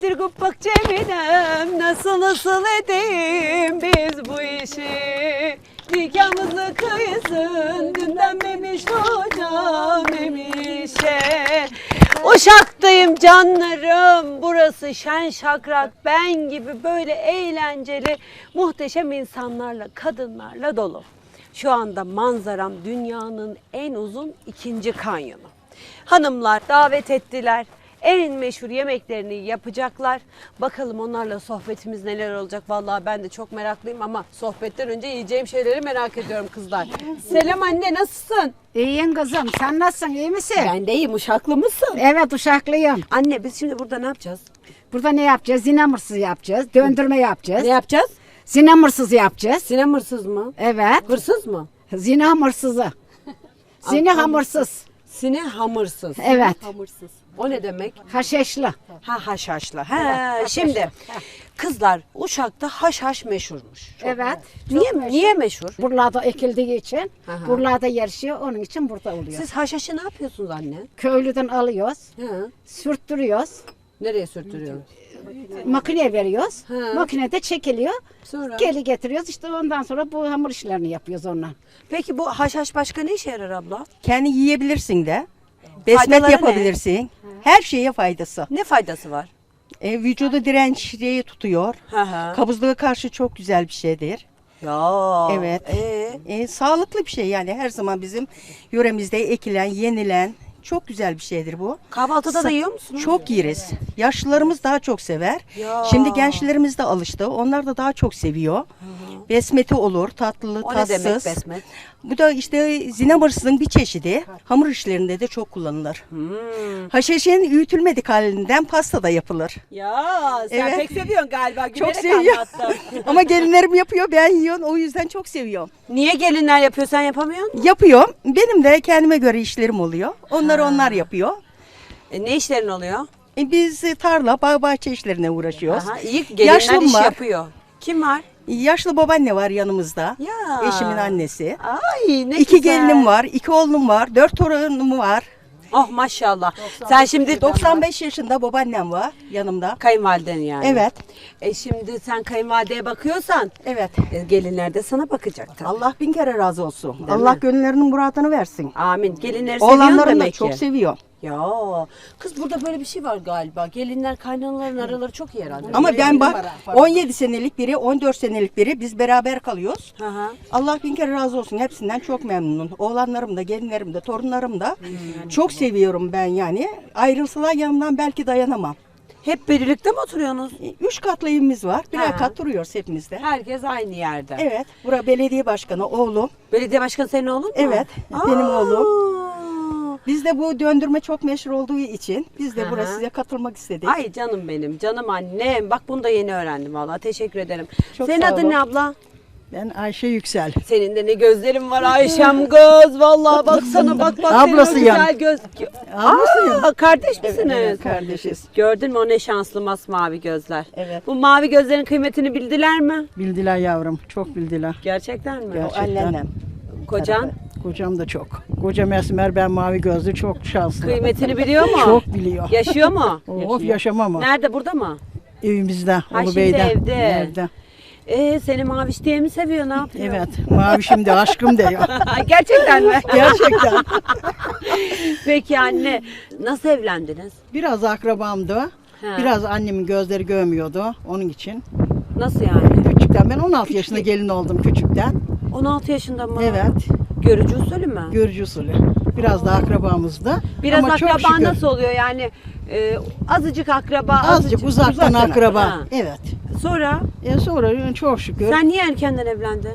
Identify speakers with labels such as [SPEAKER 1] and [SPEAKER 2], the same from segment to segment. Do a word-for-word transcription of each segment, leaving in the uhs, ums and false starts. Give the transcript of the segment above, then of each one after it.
[SPEAKER 1] Getir kupak Cemilem, nasıl nasıl edeyim biz bu işi? Nikahımızı kıysın, dünden memiş hocam memişe. Uşaktayım canlarım, burası şen şakrak, ben gibi böyle eğlenceli, muhteşem insanlarla, kadınlarla dolu. Şu anda manzaram dünyanın en uzun ikinci kanyonu. Hanımlar davet ettiler. En meşhur yemeklerini yapacaklar. Bakalım onlarla sohbetimiz neler olacak. Vallahi ben de çok meraklıyım ama sohbetten önce yiyeceğim şeyleri merak ediyorum kızlar. Selam anne, nasılsın?
[SPEAKER 2] İyiyim kızım. Sen nasılsın? İyi misin?
[SPEAKER 1] Ben de iyiyim. Uşaklı mısın?
[SPEAKER 2] Evet, uşaklıyım.
[SPEAKER 1] Anne biz şimdi burada ne yapacağız?
[SPEAKER 2] Burada ne yapacağız? Zinamırsız yapacağız. Döndürme yapacağız.
[SPEAKER 1] Ne yapacağız?
[SPEAKER 2] Zinamırsız yapacağız.
[SPEAKER 1] Sinem hırsız mı?
[SPEAKER 2] Evet.
[SPEAKER 1] Hırsız mı?
[SPEAKER 2] Zinamırsızı. Zine hamırsız.
[SPEAKER 1] Sine hamırsız.
[SPEAKER 2] Evet.
[SPEAKER 1] Hamırsız. O ne demek?
[SPEAKER 2] Haşhaşlı.
[SPEAKER 1] Ha haşhaşlı. Ha şimdi kızlar Uşak'ta haşhaş meşhurmuş. Çok
[SPEAKER 2] Evet.
[SPEAKER 1] Niye
[SPEAKER 2] çok meşhur.
[SPEAKER 1] niye meşhur?
[SPEAKER 2] Buralarda ekildiği için,
[SPEAKER 1] Aha.
[SPEAKER 2] buralarda yarışıyor. Onun için burada oluyor.
[SPEAKER 1] Siz haşhaşı ne yapıyorsunuz anne?
[SPEAKER 2] Köylüden alıyoruz,
[SPEAKER 1] Hı.
[SPEAKER 2] sürttürüyoruz,
[SPEAKER 1] Nereye sürtürüyorsun?
[SPEAKER 2] makineye veriyoruz.
[SPEAKER 1] Ha.
[SPEAKER 2] Makinede çekiliyor.
[SPEAKER 1] Sonra?
[SPEAKER 2] Geri getiriyoruz. İşte ondan sonra bu hamur işlerini yapıyoruz ondan.
[SPEAKER 1] Peki bu haşhaş başka ne işe yarar abla?
[SPEAKER 3] Kendi yiyebilirsin de. Besmet
[SPEAKER 1] Faydaları
[SPEAKER 3] yapabilirsin. Her şeye faydası.
[SPEAKER 1] Ne faydası var?
[SPEAKER 3] E, vücudu dirençliği tutuyor.
[SPEAKER 1] Hı hı.
[SPEAKER 3] Kabızlığa karşı çok güzel bir şeydir.
[SPEAKER 1] Ya.
[SPEAKER 3] Evet.
[SPEAKER 1] Ee?
[SPEAKER 3] E, sağlıklı bir şey yani her zaman bizim yöremizde ekilen, yenilen çok güzel bir şeydir bu.
[SPEAKER 1] Kahvaltıda da
[SPEAKER 3] Sa-
[SPEAKER 1] yiyor musunuz?
[SPEAKER 3] Çok yeriz. Yaşlılarımız daha çok sever.
[SPEAKER 1] Ya.
[SPEAKER 3] Şimdi gençlerimiz de alıştı. Onlar da daha çok seviyor. Besmeti olur, tatlı,
[SPEAKER 1] O ne
[SPEAKER 3] tatsız.
[SPEAKER 1] demek besmet?
[SPEAKER 3] Bu da işte zinamırsızın bir çeşidi. Hamur işlerinde de çok kullanılır.
[SPEAKER 1] Hmm.
[SPEAKER 3] Haşhaşın öğütülmedik halinden pasta da yapılır.
[SPEAKER 1] Ya sen
[SPEAKER 3] Evet.
[SPEAKER 1] pek seviyorsun galiba.
[SPEAKER 3] Çok
[SPEAKER 1] Gülerek
[SPEAKER 3] seviyorum.
[SPEAKER 1] anlattın.
[SPEAKER 3] Ama gelinlerim yapıyor, ben yiyorum. O yüzden çok seviyorum.
[SPEAKER 1] Niye gelinler yapıyor sen yapamıyorsun?
[SPEAKER 3] Yapıyorum. Benim de kendime göre işlerim oluyor. Onları onlar yapıyor.
[SPEAKER 1] E, ne işlerin oluyor?
[SPEAKER 3] E, biz tarla, bağ bahçe işlerine uğraşıyoruz.
[SPEAKER 1] Aha, iyi gelinler
[SPEAKER 3] Yaşlım
[SPEAKER 1] iş
[SPEAKER 3] var.
[SPEAKER 1] yapıyor. Kim var?
[SPEAKER 3] Yaşlı babaanne var yanımızda.
[SPEAKER 1] Ya.
[SPEAKER 3] Eşimin annesi.
[SPEAKER 1] Ay ne
[SPEAKER 3] İki
[SPEAKER 1] güzel.
[SPEAKER 3] gelinim var, iki oğlum var, dört torunum var.
[SPEAKER 1] Oh maşallah. Sen şimdi
[SPEAKER 3] doksan beş yaşında babaannem var yanımda.
[SPEAKER 1] kayınvaliden yani.
[SPEAKER 3] Evet.
[SPEAKER 1] E şimdi sen kayınvalideye bakıyorsan
[SPEAKER 3] Evet.
[SPEAKER 1] e, gelinler de sana bakacak tabii.
[SPEAKER 3] Allah bin kere razı olsun.
[SPEAKER 1] Değil
[SPEAKER 3] Allah
[SPEAKER 1] mi?
[SPEAKER 3] gönüllerinin muradını versin.
[SPEAKER 1] Amin. Gelinleri seviyorsun
[SPEAKER 3] Oğlanlarım da
[SPEAKER 1] demek
[SPEAKER 3] çok
[SPEAKER 1] ki.
[SPEAKER 3] seviyor.
[SPEAKER 1] Ya kız burada böyle bir şey var galiba. Gelinler kaynanaların araları çok iyi herhalde.
[SPEAKER 3] Ama ben bak on yedi senelik biri, on dört senelik biri biz beraber kalıyoruz.
[SPEAKER 1] Hı hı.
[SPEAKER 3] Allah bin kere razı olsun. Hepsinden çok memnunum. Oğlanlarım da, gelinlerim de, torunlarım da. Çok seviyorum ben yani. Ayrılsalar yanımdan belki dayanamam.
[SPEAKER 1] Hep birlikte mi oturuyorsunuz?
[SPEAKER 3] E, Üç katlı evimiz var. Birer
[SPEAKER 1] Ha.
[SPEAKER 3] kat duruyoruz hepimizde.
[SPEAKER 1] Herkes aynı yerde.
[SPEAKER 3] Evet. Bura belediye başkanı oğlum.
[SPEAKER 1] Belediye başkanı senin oğlun mu?
[SPEAKER 3] Evet, benim oğlum.
[SPEAKER 1] Aa!
[SPEAKER 3] Bizde bu döndürme çok meşhur olduğu için biz de
[SPEAKER 1] Hı
[SPEAKER 3] buraya
[SPEAKER 1] hı.
[SPEAKER 3] size katılmak istedik.
[SPEAKER 1] Ay canım benim, canım annem. Bak bunu da yeni öğrendim vallahi. Teşekkür ederim.
[SPEAKER 3] Çok
[SPEAKER 1] Senin
[SPEAKER 3] sağ
[SPEAKER 1] adın
[SPEAKER 3] olun.
[SPEAKER 1] ne abla?
[SPEAKER 4] Ben Ayşe Yüksel.
[SPEAKER 1] Senin de ne gözlerin var Ayşem göz. Vallahi baksana bak bak. senin o
[SPEAKER 4] Ablasıyım.
[SPEAKER 1] güzel göz.
[SPEAKER 4] Ablasıyım.
[SPEAKER 1] Aa, kardeş misiniz?
[SPEAKER 3] Evet, kardeşiz.
[SPEAKER 1] Gördün mü o ne şanslı masmavi gözler.
[SPEAKER 3] Evet.
[SPEAKER 1] Bu mavi gözlerin kıymetini bildiler mi?
[SPEAKER 4] Bildiler yavrum, çok bildiler.
[SPEAKER 1] Gerçekten mi?
[SPEAKER 3] O
[SPEAKER 4] Gerçekten.
[SPEAKER 3] anneannem.
[SPEAKER 1] Kocan
[SPEAKER 4] Kocam da çok. Kocam esmer, ben mavi gözlü, çok şanslı.
[SPEAKER 1] kıymetini biliyor mu?
[SPEAKER 4] Çok biliyor.
[SPEAKER 1] Yaşıyor mu?
[SPEAKER 4] Of yaşamam o.
[SPEAKER 1] Nerede, burada mı?
[SPEAKER 4] Evimizde,
[SPEAKER 1] Ha, şimdi
[SPEAKER 4] Ulubey'de.
[SPEAKER 1] evde.
[SPEAKER 4] Evde.
[SPEAKER 1] Ee, seni Maviş diye mi seviyor, ne yapıyor?
[SPEAKER 4] Evet, mavi şimdi aşkım diyor.
[SPEAKER 1] Gerçekten mi?
[SPEAKER 4] Gerçekten.
[SPEAKER 1] Peki anne, nasıl evlendiniz?
[SPEAKER 4] Biraz akrabamdı.
[SPEAKER 1] Ha.
[SPEAKER 4] Biraz annemin gözleri görmüyordu onun için.
[SPEAKER 1] Nasıl yani?
[SPEAKER 4] Küçükten, ben on altı yaşında gelin oldum küçükten.
[SPEAKER 1] on altı yaşında mı?
[SPEAKER 4] Evet,
[SPEAKER 1] Görücü usulü mü?
[SPEAKER 4] görücü usulü. Biraz da akrabamızdı.
[SPEAKER 1] Biraz
[SPEAKER 4] Ama çok
[SPEAKER 1] akraba
[SPEAKER 4] şükür.
[SPEAKER 1] nasıl oluyor yani? E, azıcık akraba,
[SPEAKER 4] Azıcık uzaktan akraba.
[SPEAKER 1] Ha.
[SPEAKER 4] Evet.
[SPEAKER 1] Sonra
[SPEAKER 4] E sonra çok şükür.
[SPEAKER 1] sen niye erkenden evlendin?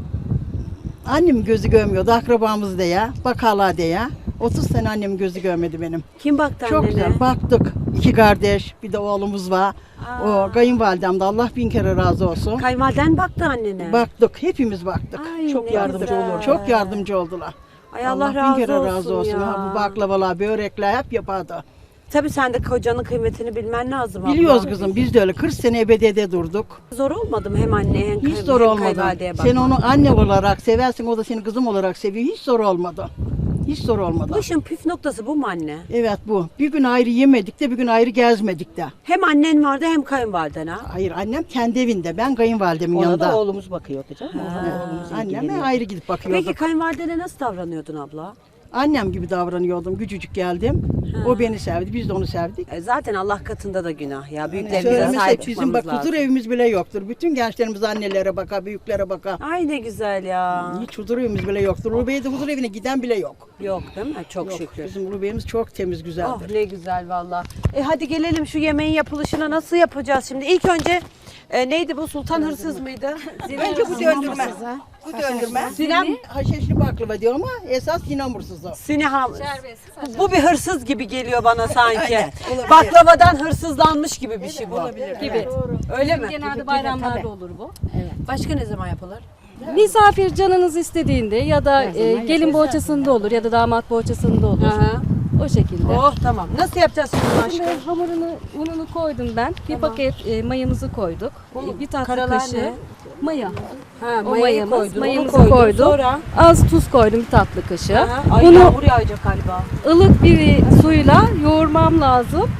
[SPEAKER 4] Annem gözü görmüyordu, akrabamız diye, bakarlar diye. otuz sene annem gözü görmedi benim.
[SPEAKER 1] Kim baktı
[SPEAKER 4] Çok
[SPEAKER 1] annene?
[SPEAKER 4] güzel baktık. İki kardeş, bir de oğlumuz var.
[SPEAKER 1] Aa.
[SPEAKER 4] O kayınvalidem de Allah bin kere razı olsun.
[SPEAKER 1] Kayınvaliden baktı annene.
[SPEAKER 4] Baktık, hepimiz baktık.
[SPEAKER 1] Ay,
[SPEAKER 4] çok
[SPEAKER 1] ne
[SPEAKER 4] yardımcı
[SPEAKER 1] güzel.
[SPEAKER 4] olur. Çok yardımcı oldular.
[SPEAKER 1] Ay Allah,
[SPEAKER 4] Allah,
[SPEAKER 1] razı
[SPEAKER 4] bin kere
[SPEAKER 1] olsun
[SPEAKER 4] razı olsun.
[SPEAKER 1] ya.
[SPEAKER 4] Ha, bu baklavalar, börekler hep yapardı.
[SPEAKER 1] Tabii sen de kocanın kıymetini bilmen lazım abla.
[SPEAKER 4] Biliyoruz kızım, biz de öyle kırk sene ebediyede durduk.
[SPEAKER 1] Zor olmadı mı hem anneye hem,
[SPEAKER 4] Hiç
[SPEAKER 1] kay-
[SPEAKER 4] zor
[SPEAKER 1] hem
[SPEAKER 4] olmadı.
[SPEAKER 1] kayınvalideye
[SPEAKER 4] Sen
[SPEAKER 1] bakmak?
[SPEAKER 4] onu anne olarak seversin, o da seni kızım olarak seviyor. Hiç zor olmadı. Hiç zor olmadı.
[SPEAKER 1] Bu işin püf noktası bu mu anne?
[SPEAKER 4] Evet bu. Bir gün ayrı yemedik de bir gün ayrı gezmedik de.
[SPEAKER 1] Hem annen vardı hem kayınvaliden ha.
[SPEAKER 4] Hayır annem kendi evinde. Ben kayınvalidemin
[SPEAKER 3] Ona
[SPEAKER 4] yanında.
[SPEAKER 3] da oğlumuz bakıyordu canım. Oğlumuz
[SPEAKER 4] Anneme
[SPEAKER 3] ilgileniyor.
[SPEAKER 4] ayrı gidip bakıyorduk.
[SPEAKER 1] Peki kayınvalidene nasıl davranıyordun abla?
[SPEAKER 4] Annem gibi davranıyordum. Küçücük geldim. O beni sevdi. Biz de onu sevdik.
[SPEAKER 1] E zaten Allah katında da günah ya. Büyüklerimize
[SPEAKER 4] Söylemesek
[SPEAKER 1] sahip
[SPEAKER 4] bizim
[SPEAKER 1] çıkmamız
[SPEAKER 4] bak
[SPEAKER 1] lazım.
[SPEAKER 4] huzur evimiz bile yoktur. Bütün gençlerimiz annelere bakar, büyüklere bakar.
[SPEAKER 1] Ay ne güzel ya.
[SPEAKER 4] Hiç huzur evimiz bile yoktur. Ulube'ye de huzur evine giden bile yok.
[SPEAKER 1] Yok değil mi? Çok
[SPEAKER 4] Yok.
[SPEAKER 1] şükür.
[SPEAKER 4] Bizim Ulube'miz çok temiz,
[SPEAKER 1] Oh
[SPEAKER 4] güzeldir.
[SPEAKER 1] ne güzel valla. E hadi gelelim şu yemeğin yapılışına nasıl yapacağız şimdi? İlk önce e, neydi bu Sultan Hırsız mıydı?
[SPEAKER 3] Önce bu döndürme. Bu döndürme.
[SPEAKER 1] Sinem
[SPEAKER 4] Haşhaşlı baklava diyor ama esas yinamursuz o.
[SPEAKER 1] Sineham. Bu bir hırsız gibi geliyor bana sanki.
[SPEAKER 3] Aynen, olabilir.
[SPEAKER 1] Baklavadan hırsızlanmış gibi bir şey bu.
[SPEAKER 5] gibi.
[SPEAKER 1] Öyle mi?
[SPEAKER 5] Genelde bayramlarda olur bu.
[SPEAKER 1] Başka ne zaman yapılır?
[SPEAKER 5] Misafir canınız istediğinde ya da e, gelin bohçasında olur ya da damat bohçasında olur.
[SPEAKER 1] Aha.
[SPEAKER 5] O şekilde.
[SPEAKER 1] Oh tamam. Nasıl yapacağız şimdi aşkım?
[SPEAKER 5] Şimdi hamurunu, ununu koydum ben. Bir paket e, mayamızı koyduk. E, bir tatlı
[SPEAKER 1] karalar
[SPEAKER 5] kaşığı
[SPEAKER 1] ne?
[SPEAKER 5] maya.
[SPEAKER 1] Ha,
[SPEAKER 5] O
[SPEAKER 1] mayayı
[SPEAKER 5] mayamız,
[SPEAKER 1] koydun. onu
[SPEAKER 5] mayamızı
[SPEAKER 1] koydun.
[SPEAKER 5] koydum.
[SPEAKER 1] Sonra
[SPEAKER 5] Az tuz koydum bir tatlı kaşığı.
[SPEAKER 1] Aha, ay
[SPEAKER 5] Bunu
[SPEAKER 1] yağmur yağacak galiba.
[SPEAKER 5] ılık bir suyla yoğurmam lazım.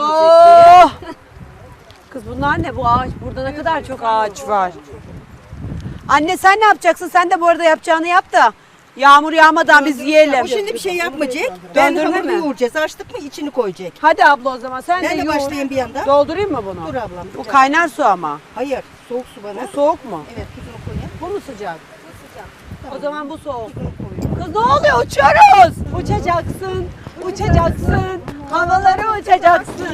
[SPEAKER 1] Oh! Kız bunlar ne bu ağaç? Burada ne kadar çok ağaç var. Anne sen ne yapacaksın? Sen de bu arada yapacağını yap da yağmur yağmadan biz yiyelim.
[SPEAKER 3] Bu şimdi bir şey yapmayacak. Ben
[SPEAKER 1] Döndürme
[SPEAKER 3] hamuru
[SPEAKER 1] mi?
[SPEAKER 3] yoğuracağız. Açtık mı içini koyacak.
[SPEAKER 1] Hadi abla o zaman sen
[SPEAKER 3] Ben
[SPEAKER 1] de
[SPEAKER 3] de
[SPEAKER 1] yoğur.
[SPEAKER 3] başlayayım bir yandan.
[SPEAKER 1] Doldurayım mı bunu?
[SPEAKER 3] Dur ablam.
[SPEAKER 1] Bu kaynar su ama.
[SPEAKER 3] Hayır. Soğuk su bana.
[SPEAKER 1] Bu soğuk mu?
[SPEAKER 3] Evet tuzunu koyayım.
[SPEAKER 1] Bu mu sıcak? Bu sıcak. O zaman bu soğuk. Kız ne oluyor? Uçuyoruz. Uçacaksın, uçacaksın. Havalara uçacaksın.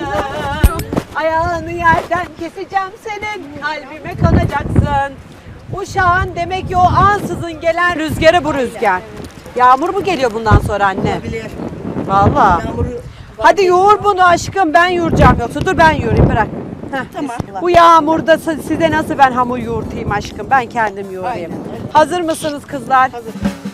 [SPEAKER 1] Ayağını yerden keseceğim senin. Kalbime kanacaksın. Uşağın demek ki o ansızın gelen rüzgarı bu rüzgar. Yağmur mu geliyor bundan sonra anne?
[SPEAKER 3] Bilir.
[SPEAKER 1] Vallahi.
[SPEAKER 3] Yağmuru
[SPEAKER 1] Hadi yoğur bunu aşkım, ben yoğuracağım yoksa dur ben yoğurayım bırak. Heh.
[SPEAKER 3] Tamam.
[SPEAKER 1] Bu yağmurda si- size nasıl ben hamur yoğurtayım aşkım, ben kendim yoğurayım. Hazır mısınız kızlar?
[SPEAKER 3] Hazır.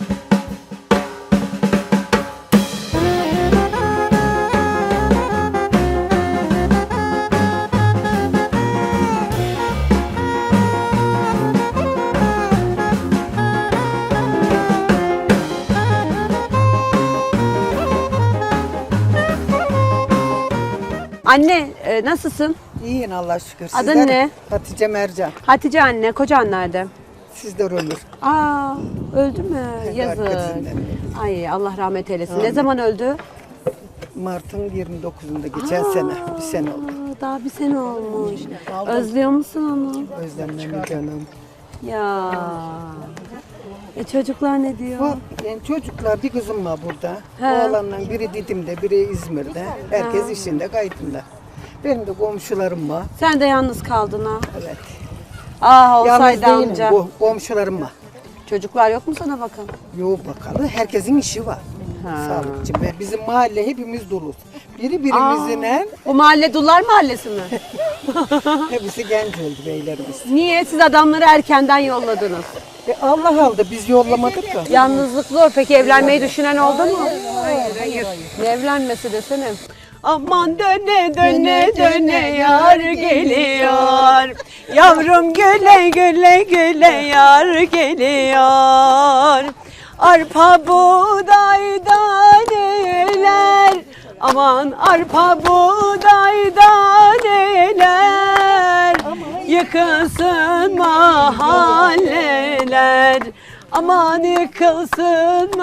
[SPEAKER 1] Anne e, nasılsın?
[SPEAKER 6] İyiyim Allah şükür.
[SPEAKER 1] Adın
[SPEAKER 6] Sizler?
[SPEAKER 1] ne?
[SPEAKER 6] Hatice Mercan.
[SPEAKER 1] Hatice anne, kocan nerede?
[SPEAKER 6] Sizler ölür.
[SPEAKER 1] Aa, öldü mü? Yazık.
[SPEAKER 6] Arkasından.
[SPEAKER 1] Ay Allah rahmet eylesin. Ne zaman öldü?
[SPEAKER 6] Mart'ın yirmi dokuzunda geçen sene. Bir sene oldu.
[SPEAKER 1] Aa, daha bir sene olmuş. Özlüyor musun onu?
[SPEAKER 6] Özlemle canım.
[SPEAKER 1] Ya. E çocuklar ne diyor?
[SPEAKER 6] Bu yani çocuklar bir kızım var burada.
[SPEAKER 1] He.
[SPEAKER 6] Oğlanla biri Didim'de, biri İzmir'de. Herkes işinde, kaydında. Benim de komşularım var.
[SPEAKER 1] Sen de yalnız kaldın ha.
[SPEAKER 6] Evet.
[SPEAKER 1] Ah
[SPEAKER 6] Yalnız
[SPEAKER 1] olsaydı
[SPEAKER 6] değilim.
[SPEAKER 1] amca.
[SPEAKER 6] Bu komşularım var.
[SPEAKER 1] Çocuklar yok mu sana bakın?
[SPEAKER 6] Yok bakalım. Herkesin işi var. Sağlıkçı. Ve bizim mahalle hepimiz doluz. Biri birimizle
[SPEAKER 1] O mahalle Dullar Mahallesi mi?
[SPEAKER 6] hepsi genç oldu beylerimiz.
[SPEAKER 1] Niye? Siz adamları erkenden yolladınız.
[SPEAKER 6] E Allah aldı biz yollamadık da.
[SPEAKER 1] Yalnızlık zor. Peki evlenmeyi düşünen oldu mu? Hayır, hayır. Ne evlenmesi desene. Aman döne döne döne yar geliyor. Yavrum güle güle güle yar geliyor. Arpa buğday daneler. Aman arpa buğday daneler. Yıkılsın mahalleler. Aman yıkılsın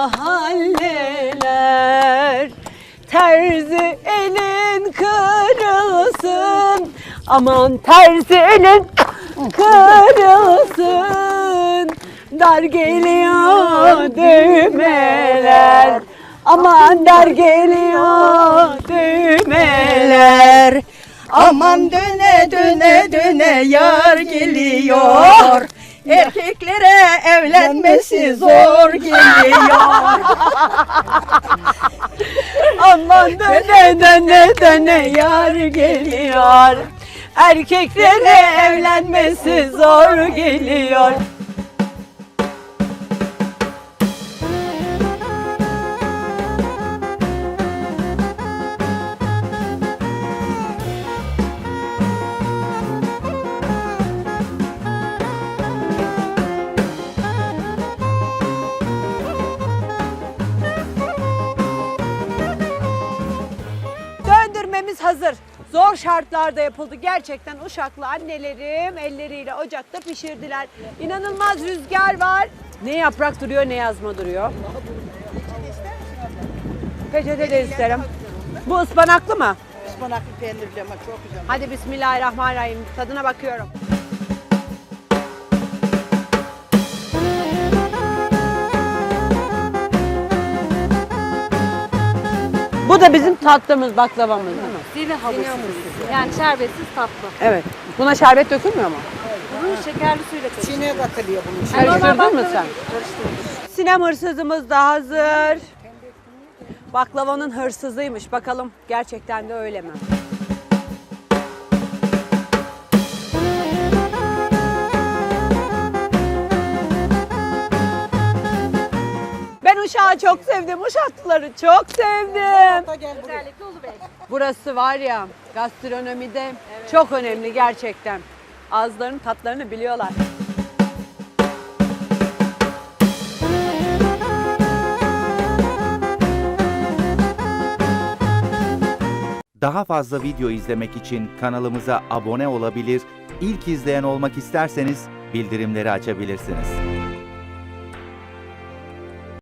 [SPEAKER 1] mahalleler. Terzi elin kırılsın. Aman terzi elin kırılsın. Dar geliyor düğmeler. Aman dar geliyor düğmeler.
[SPEAKER 3] Aman döne döne döne yar geliyor. Erkeklere evlenmesi zor geliyor.
[SPEAKER 1] Aman döne döne döne yar geliyor. Erkeklere evlenmesi zor geliyor. şartlarda yapıldı. Gerçekten Uşaklı annelerim elleriyle ocakta pişirdiler. İnanılmaz rüzgar var. Ne yaprak duruyor ne yazma duruyor. Peçete de isterim. Bu ıspanaklı mı?
[SPEAKER 4] Ispanaklı peynirli ama çok güzel.
[SPEAKER 1] Hadi bismillahirrahmanirrahim. Tadına bakıyorum. Bu da bizim tatlımız, baklavamız değil mi?
[SPEAKER 5] Zine halısı. Yani şerbetsiz tatlı.
[SPEAKER 1] Evet. Buna şerbet dökülmüyor mu?
[SPEAKER 5] Bunu şekerli suyla karıştırıyoruz.
[SPEAKER 6] Çin'e katılıyor bunun.
[SPEAKER 1] Karıştırdın mı sen? Sinem hırsızımız da hazır. Baklavanın hırsızıymış. Bakalım gerçekten de öyle mi? Ben Uşak'ı çok sevdim. Uşaklıları çok sevdim.
[SPEAKER 5] Özellikle Ulubey.
[SPEAKER 1] Burası var ya gastronomide çok önemli gerçekten. Ağızlarının tatlarını biliyorlar.
[SPEAKER 7] Daha fazla video izlemek için kanalımıza abone olabilir, ilk izleyen olmak isterseniz bildirimleri açabilirsiniz.